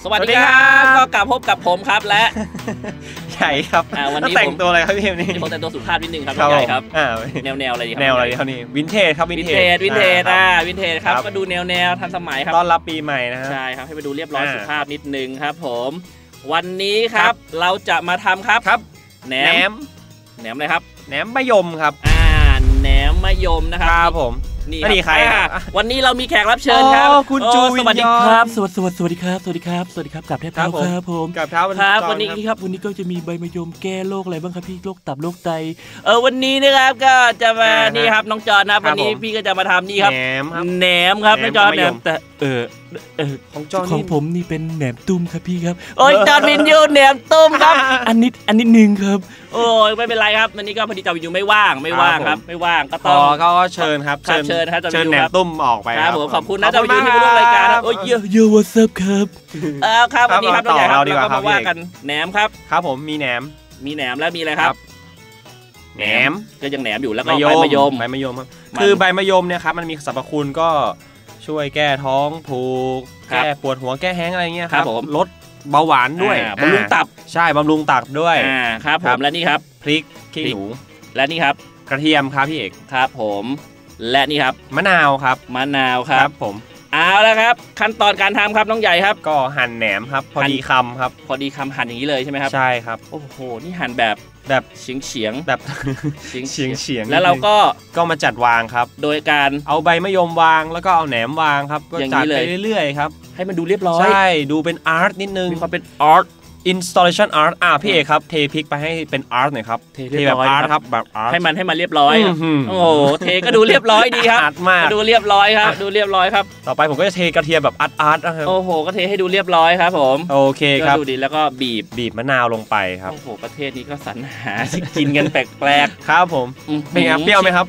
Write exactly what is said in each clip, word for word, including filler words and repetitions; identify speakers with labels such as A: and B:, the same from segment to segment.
A: สวัสดีครับก็กลับพบกับผมครับและ
B: ใหญ่ครับวันนี้แต่งตัวอะไรครับพี่เอ็มนี่
A: ผมแต่งตัวสุภาพนิดนึงครับใหญ่ครับแนวแนวอะไรดีครับ
B: แนวอะไรเท่านี้วินเทจครับ
A: วินเทจวินเทจอ่าวินเทจครับมาดูแนวแนวทันสมัยครับ
B: ต้อนรับปีใหม่นะครับ
A: ใช่ครับให้ไปดูเรียบร้อยสุภาพนิดนึงครับผมวันนี้ครับเราจะมาทำครับ
B: ครับ
A: แหนมแหนมอะไรครับ
B: แหนมมะยมครับ
A: อ่าแหนมมะยมนะครับ
B: ครับผม
A: นี่ใครวันนี้เรามีแขกรับเชิญครับ
B: คุณจูวิน
A: สวัสดีครับสวัสดีสวัสดีครับสวัสดีครับสวัสดีครับกับเทพเท้าครับผม
B: กับเท้า
A: ครับวันนี้ครับวันนี้ก็จะมีใบมะยมแก้โรคอะไรบ้างครับพี่โรคตับโรคไตเออวันนี้นะครับก็จะมานี่ครับน้องจอนนะวันนี้พี่ก็จะมาทำนี่ครับ
B: แหนมครับ
A: แหนมครับน้องจอนแหนมแต่เออเออ
B: ของจอน
A: ของผมนี่เป็นแหนมตุ้มครับพี่ครับโอ้ยจอนวินยูแหนมตุ้มครับอันนี้อันนี้หนึ่งครับโอ้ยไม่เป็นไรครับวันนี้ก็พอดีจอนวินยูไม่ว่างไม่ว่างครับไม่ว่างก็ต้อง
B: ก็เชิญครับ
A: เชิญครับ
B: เชิญแหนมตุ้มออกไป
A: ครับผมขอบคุณนะจอนวินยูที่มาร่วมรายการโอ้ยเยอะเยอะวอทซับครับเออครับวันนี้ครับต่อเราดีกว่าครับว่ากันแหนมครับ
B: ครับผมมีแหนม
A: มีแหนมแล้วมีอะไรครับ
B: แหนม
A: ก็ยังแหนมอยู่แล้วก็ใบมะยม
B: ใบมะยมครับคือใบมะยมเนี่ยครับมันมีสรรพคุณก็ช่วยแก้ท้องผูกแก้ปวดหัวแก้แห้งอะไรเงี้ยครับลดเบาหวานด้วย
A: บำรุงตับ
B: ใช่บำรุงตับด้วย
A: อ่าครับผมและนี่ครับ
B: พริกขี้หนู
A: และนี่ครับ
B: กระเทียมครับพี่เอก
A: ครับผมและนี่ครับ
B: มะนาวครับ
A: มะนาวครับ
B: ผม
A: เอาแล้วครับขั้นตอนการทำครับน้องใหญ่ครับ
B: ก็หั่นแหนมครับพอดีคำครับ
A: พอดีคำหั่นอย่างนี้เลยใช่ไหมครับ
B: ใช่ครับ
A: โอ้โหนี่หั่นแบบ
B: แบบ
A: เฉียงเฉียง
B: แบบเฉียงเฉียง
A: แล้วเราก็
B: ก็มาจัดวางครับ
A: โดยการ
B: เอาใบมะยมวางแล้วก็เอาแหนมวางครับก็จัดไปเรื่อยๆครับ
A: ให้มันดูเรียบร้อย
B: ใช่ดูเป็นอาร์ตนิดนึง
A: มีความเป็นอาร์ต
B: installation art อ่ะพี่เอกครับเทพริกไปให้เป็นอาร์ตหน่อยครับ
A: เทแบบ
B: อาร์ตครับแบบอาร์ต
A: ให้มันให้มันเรียบร้อยโอ้โหเทก็ดูเรียบร้อยดีครับ
B: อาร์ตมาก
A: ดูเรียบร้อยครับดูเรียบร้อยครับ
B: ต่อไปผมก็จะเทกระเทียมแบบอาร์ตอาร์ตนะครับ
A: โอ้โหก็เทให้ดูเรียบร้อยครับผม
B: โอเคครับ
A: ดูดีแล้วก็บีบ
B: บีบมะนาวลงไปครับ
A: โอ้โหประเทศนี้ก็สรรหาที่กินกันแปลก
B: ๆครับผมเป็นไงเปรี้ยวไหมครับ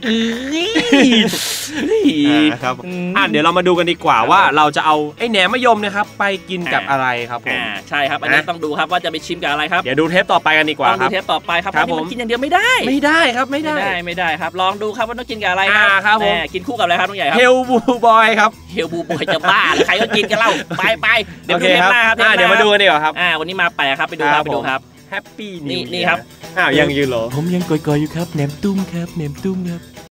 B: ครับอ่ะเดี๋ยวเรามาดูกันดีกว่าว่าเราจะเอาไอ้แหนมมะยมนะครับไปกินกับอะไรครับผม
A: ใช่ครับอันนี้ต้องดูครับว่าจะไปชิมกับอะไรครับ
B: เดี๋ยวดูเทปต่อไปกันดีกว่า
A: ครับดูเทปต่อไปครับอันนี้มันกินอย่างเดียวไม่ได้
B: ไม่ได้ครับไม่ได้
A: ไม่ได้ครับลองดูครับว่าต้องกินกับอะไรครับ
B: ครับผม
A: กินคู่กับอะไรครับน้องใหญ่ครับ
B: เฮลบูบอยครับ
A: เฮลบูบอยจะบ้าใครก็กินกันเล่าไปไปเดี๋ยวดูเทปหน้าครับ
B: เดี๋ยวมาดูกันดีกว่าครับ
A: อ่าวันนี้มาแปลครับไปดูครับไปดูครับ
B: แฮปปี้
A: นี่นี่ครับ
B: อ้าวยังยืนเหรอ
A: ผมยังก่อยๆอยู่ครับแหนมตุ้มครับแหนมตุ้มครับ